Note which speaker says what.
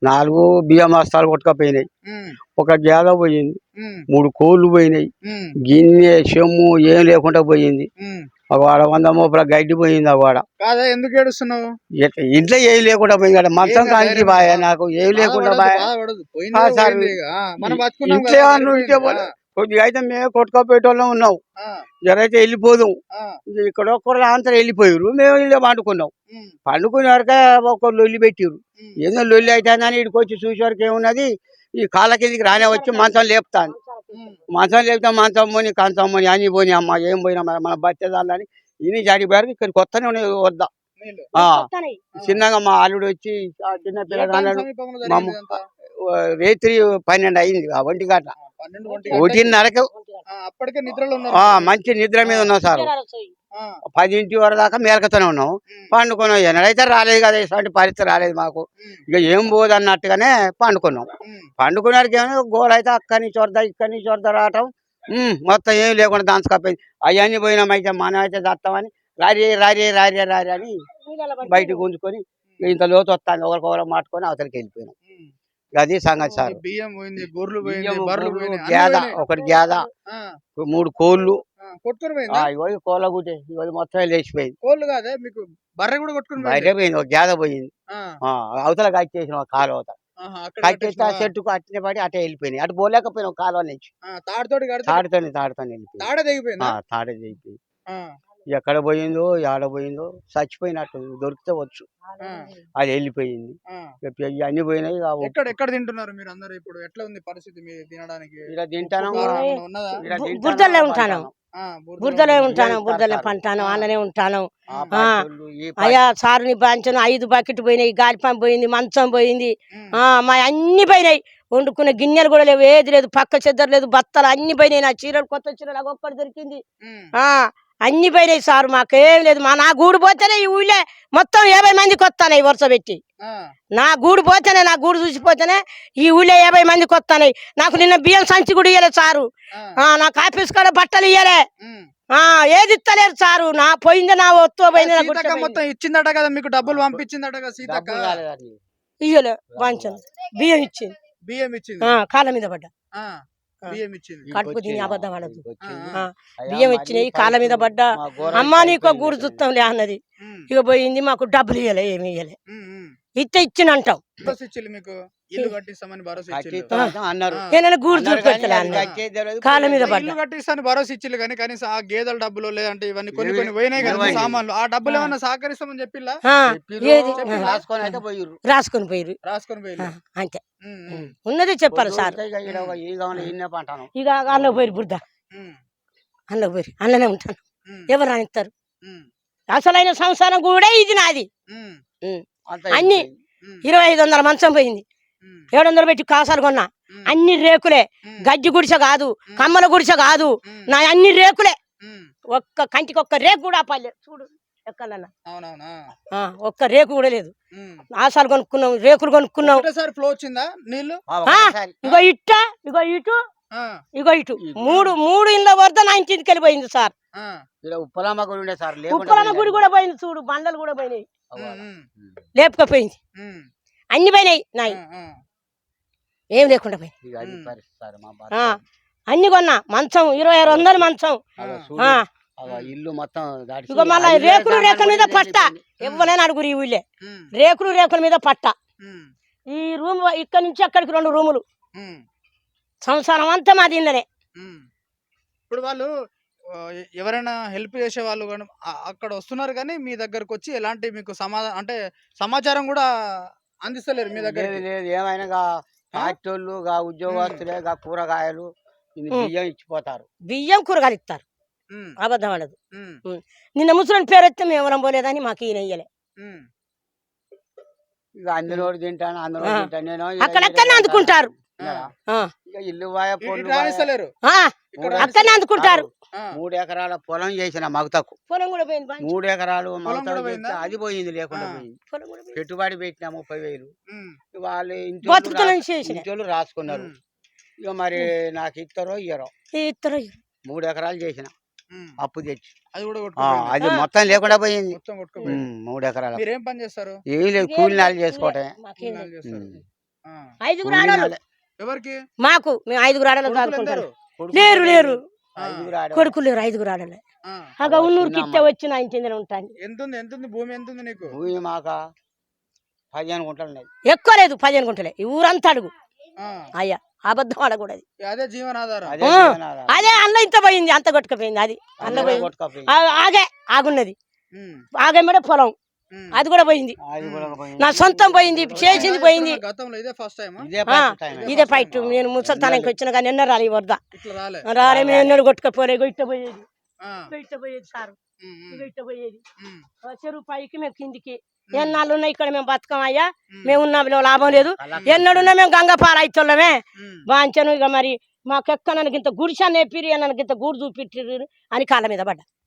Speaker 1: 4 బియ్యం బస్తాలు కొట్టుకపోయినాయి. ఒక గేద పోయింది, 3 కోళ్ళు పోయినాయి, గిన్నె చెమ్ము ఏం లేకుండా పోయింది. వాడ 100 మోపుల గడ్డి పోయింది. వాడ
Speaker 2: ఎందుకు ఏడుస్తున్నావు?
Speaker 1: ఇంట్లో ఏం లేకుండా పోయింది. మంచం కానికి బాయ్, నాకు ఏం లేకుండా బాయ్. ఇంట్లో ఇంటే కొద్దిగా అయితే మేము కొట్టుకోపోయేటోళ్ళం ఉన్నాం. జరైతే వెళ్ళిపోదాం, ఇక్కడ ఒక్కరు అంతా వెళ్ళిపోయారు. మేము ఇల్లు పండుకున్నాం. పండుకునే వరకే ఒకరు లొల్లి పెట్టిరు. ఏదో లొల్లి అవుతుందని ఇక్కడికి వచ్చి చూసే వరకు ఏమున్నది, ఈ కాళ్ళ కిందికి రానే వచ్చి మంచం లేపుతాను. మంచం లేపుతా మంచం పోని కంచం పోని అని పోని అమ్మ ఏం పోయినా మన బతిదాలని ఇన్ని జాడిపోయారు. ఇక్కడికి వస్తానే ఉన్నాయి వద్దా. చిన్నగా మా అల్లుడు వచ్చి చిన్న పిల్లగాడు రేత్రి 12 అయింది. 1 గంట 1:30కు మంచి నిద్ర మీద ఉన్నాం సార్. 10 వరకు దాకా మేరకతోనే ఉన్నాం. పండుకున్నాం. ఎన్నడైతే రాలేదు కదా, ఇటువంటి పరిస్థితి రాలేదు మాకు. ఇక ఏం పోదు అన్నట్టుగానే పండుకున్నాం. పండుకున్నాడికి ఏమో గోడ అయితే అక్కడి నుంచి వరద ఇక్కడి నుంచి వరద రావటం మొత్తం ఏం లేకుండా దాంచుకపోయింది. అవన్నీ పోయినామైతే మనం అయితే దత్తామని రారి రారి రారి రారి అని బయటకు గుంజుకొని ఇంత లోతు వస్తాను ఒకరికొకరు మాట్టుకొని అవతలికి వెళ్ళిపోయినాం. అది సంగతి సార్.
Speaker 2: బియ్యం పోయింది, గొర్రెలు పోయింది, బర్రెలు పోయింది,
Speaker 1: గేద ఒకటి గేద, 3 కోళ్ళు కోళ్ళ గుడ్డే మొత్తం లేచిపోయింది.
Speaker 2: కోళ్ళు కాదే మీకు బర్రె కూడా కొట్టుకుని
Speaker 1: బయట పోయింది. ఒక గేద పోయింది. అవతల కట్టేసిన ఒక కాలు అవతల కట్టేస్తే ఆ చెట్టుకు అట్టిన పడి అటే వెళ్ళిపోయినాయి. అటు పోలేకపోయినాం కాలువ నుంచి. తాడుతోని వెళ్ళిపోయింది. తాడే తెగిపోయింది. ఎక్కడ పోయిందో ఏడ పోయిందో చచ్చిపోయినట్టు దొరికితే వచ్చు. అది వెళ్ళిపోయింది. అన్ని పోయినాయి.
Speaker 2: ఎక్కడ తింటున్నారు మీరు అందరు? ఇప్పుడు ఎట్లా ఉంది పరిస్థితి మీరు తినడానికి?
Speaker 3: బురదలో ఉంటాను, బురదలో ఉంటాను, బురదలో పంటాను, అన్ననే ఉంటాను. అయ్యా సారుని పంచను 5 బకెట్ పోయినాయి, గాలిపం పోయింది, మంచం పోయింది, మా అన్ని పోయినాయి. వండుకున్న గిన్నెలు కూడా లేవు, ఏది లేదు, పక్క చెద్దరు లేదు, బత్తలు అన్ని పోయినాయి. నా చీరలు కొత్త చీరలు అవి ఒక్కటి దొరికింది. అన్ని పోయినాయి సార్, మాకేం లేదు. నా గూడు పోతేనే ఈ ఊళ్ళే మొత్తం 50 మందికి వస్తాయి వరుస పెట్టి. నా గూడు పోతేనే, నా గూడు చూసిపోతేనే ఈ ఊళ్ళో 50 మందికి వస్తాయి. నాకు నిన్న బియ్యం సంచి కూడా ఇయ్యలే సారు. నాకు ఆఫీస్ కాడ బట్టలు ఇయ్యలే, ఏది ఇస్తలేరు సారు. నా పోయిందే నా ఒత్తు పోయింది.
Speaker 2: మొత్తం ఇచ్చిందట కదా మీకు, డబ్బులు పంపించిందట కదా సీతక్క?
Speaker 3: ఇయ్యలే, వాంచను బియ్యం ఇచ్చింది.
Speaker 2: బియ్యం ఇచ్చింది,
Speaker 3: కాళ్ళ మీద పడ్డా.
Speaker 2: బియ్యం ఇచ్చింది,
Speaker 3: కడుపు తిని అబద్ధం ఆడదు. బియ్యం ఇచ్చినాయి, కాళ్ళ మీద పడ్డా. అమ్మా నీకు గూడు చూస్తాంలే అన్నది. ఇక పోయింది. మాకు డబ్బులు ఇయ్యలే, ఏమి ఇయ్యలే. ఇచ్చినంటాం.
Speaker 2: ఇల్లు కట్టిస్తామని భరోసా
Speaker 3: గూడు చూపెట్టలే కాళ్ళ మీద పడ్డా.
Speaker 2: ఇల్లు కట్టిస్తాను భరోసా ఇచ్చిల్లు కానీ కనీసం ఆ గేదెల డబ్బులు లేదంటే ఇవన్నీ కొన్ని పోయినాయి కదా సామాన్లు. ఆ డబ్బులు ఏమన్నా సహకరిస్తామని చెప్పిల్లా?
Speaker 3: రాసుకొని పోయిరు అంతే ఉన్నది చెప్పాలి సార్. ఇక అన్నకు పోయిరు బురద, అన్నకు పోయిరు, అన్ననే ఉంటాను. ఎవరు రానిస్తారు? అసలైన సంసారం కూడా ఇది నాది. అన్ని 2500 మంచం పోయింది, 700 పెట్టి కాసాలు కొన్నా. అన్ని రేకులే, గడ్డి గుడిసె కాదు, కమ్మల గుడిసె కాదు, నా అన్ని రేకులే. ఒక్క కంటికి ఒక్క రేకు కూడా పల్లె చూడు ఎక్కడన్నా, ఒక్క రేకు కూడా లేదు. ఆసాలు కొనుక్కున్నాం, రేకులు కొనుక్కున్నాం. ఇగో ఇట్ట, ఇగో ఇటు, ఇగో ఇటు, మూడు ఇళ్ళ వరద నా ఇంటికి వెళ్ళిపోయింది సార్. ఉప్పలమ్మ గుడి కూడా పోయింది చూడు, బండలు కూడా పోయినాయి, లేపుకపోయింది. అన్ని పోయినాయి నాయి, ఏం లేకుండా పోయింది. అన్ని కొన్నా. మంచం 2600 మంచం.
Speaker 1: ఇల్లు మొత్తం
Speaker 3: ఇక మళ్ళీ రేకుల మీద పట్ట. ఎవరైనా అడుగురు ఈ ఊళ్ళే, రేకుల మీద పట్ట. ఈ రూమ్ ఇక్కడ నుంచి అక్కడికి 2 రూములు. సంసారం అంతా మాది ఇళ్ళనే.
Speaker 2: ఇప్పుడు వాళ్ళు ఎవరైనా హెల్ప్ చేసే వాళ్ళు అక్కడ వస్తున్నారు కానీ మీ దగ్గరకు వచ్చి ఎలాంటి మీకు సమాచారం కూడా అందిస్తలేరు మీ దగ్గర?
Speaker 1: లేదు, ఏమైనా ఫ్యాక్టరీలు ఉద్యోగస్తులే కూరగాయలు బియ్యం ఇచ్చిపోతారు.
Speaker 3: బియ్యం కూరగాయలు ఇస్తారు, అబద్ధం అనదు. నిన్న ముసలి పేరు వస్తే మేము ఎవరం పోలేదని మాకు ఈయన ఇయ్యలే.
Speaker 1: ఇక అందులో తింటాను, అందులో తింటాను. నేను
Speaker 3: అక్కడక్కడనే అందుకుంటారు,
Speaker 1: ఇల్లు
Speaker 3: అక్కడనే అందుకుంటారు.
Speaker 1: 3 ఎకరాల పొలం చేసిన మగతకు,
Speaker 3: పొలం కూడా పోయింది.
Speaker 1: 3 ఎకరాలు అది పోయింది, లేకుండా పోయింది. పెట్టుబడి పెట్టిన 30,000 వాళ్ళు ఇంట్లో రాసుకున్నారు. ఇక మరి నాకు ఇస్తారో ఇయ్యరో. 3 ఎకరాలు చేసిన అప్పు తెచ్చి అది మొత్తం లేకుండా పోయింది. 3 ఎకరాలు
Speaker 2: ఏం పని చేస్తారు?
Speaker 1: ఏం లేదు, కూలి నాలు చేసుకోవటమే.
Speaker 2: ఆ.
Speaker 3: 5గురు ఆడోళ్ళు
Speaker 2: ఎవరికి
Speaker 3: మాకు మేము 5గురు ఆడోళ్ళు
Speaker 2: కొడుకులు
Speaker 3: దాడుకుంటారు.
Speaker 2: ఎందరు?
Speaker 3: లేరు లేరు
Speaker 2: ఆ.
Speaker 3: కొడుకులు లేరు 5గురు ఆడోళ్ళే.
Speaker 2: ఆ.
Speaker 3: అగా ఉన్నూరుకి ఇస్తే వచ్చి నా ఇంటి దగ్గర ఉంటాను.
Speaker 2: ఎంతుంది భూమి ఎంతుంది నీకు?
Speaker 1: భూమి మాక 15 గుంటలు ఉన్నాయి.
Speaker 3: ఎక్కువ లేదు 15 గుంటలే. ఈ ఊరంతా అడుగు
Speaker 2: ఆ.
Speaker 3: అయ్యా, అబద్ధం ఆడకూడదు.
Speaker 2: అదే జీవనాధారం.
Speaker 1: అదే
Speaker 3: ఆ.
Speaker 1: జీవనాధారం.
Speaker 3: అదే అన్న ఇంత పోయింది, అంత కొట్టుకుపోయింది. అది అన్న
Speaker 1: అందులో
Speaker 3: పోయింది.
Speaker 1: కొట్టుకపోయింది.
Speaker 3: ఆగే ఆగున్నది,
Speaker 2: ఉమ్.
Speaker 3: ఆగేమడే పొలం
Speaker 2: ఉమ్.
Speaker 3: అది కూడా పోయింది.
Speaker 1: అది కూడా పోయింది.
Speaker 3: నా సొంతం పోయింది, చేసింది పోయింది.
Speaker 2: గతంలో ఇదే ఫస్ట్ టైం
Speaker 1: ఇదే
Speaker 3: ఆ,
Speaker 1: first time.
Speaker 3: ఇదే ఫైట్. నేను ముసలితనానికి వచ్చిన కానీ ఎన్న రాలి వరద
Speaker 2: ఇట్లా రాలే.
Speaker 3: రాలే. మేము ఎన్నడూ కొట్టుకపోలే. ఇట్ట పోయేది,
Speaker 2: ఆ.
Speaker 3: ఇట్ట పోయేది సారు,
Speaker 2: ఉమ్, ఉమ్,
Speaker 3: ఇట్ట పోయేది.
Speaker 2: ఉమ్,
Speaker 3: చెరువు పైకి మేము కిందికి. ఎన్నాళ్ళు ఉన్నాయి ఇక్కడ మేము బతకం అయ్యా,
Speaker 2: ఉమ్,
Speaker 3: మేము ఉన్నాం లాభం లేదు. ఎన్నడున్నా మేము గంగ పాలైతుల్లమే
Speaker 2: ఉమ్.
Speaker 3: బాంచను. ఇక మరి మాకెక్కనకి ఇంత గుడిసా నేపిరి, అన్నకి ఇంత గూడు చూపిట్టిరు అని కాళ్ళ మీద పడ్డా.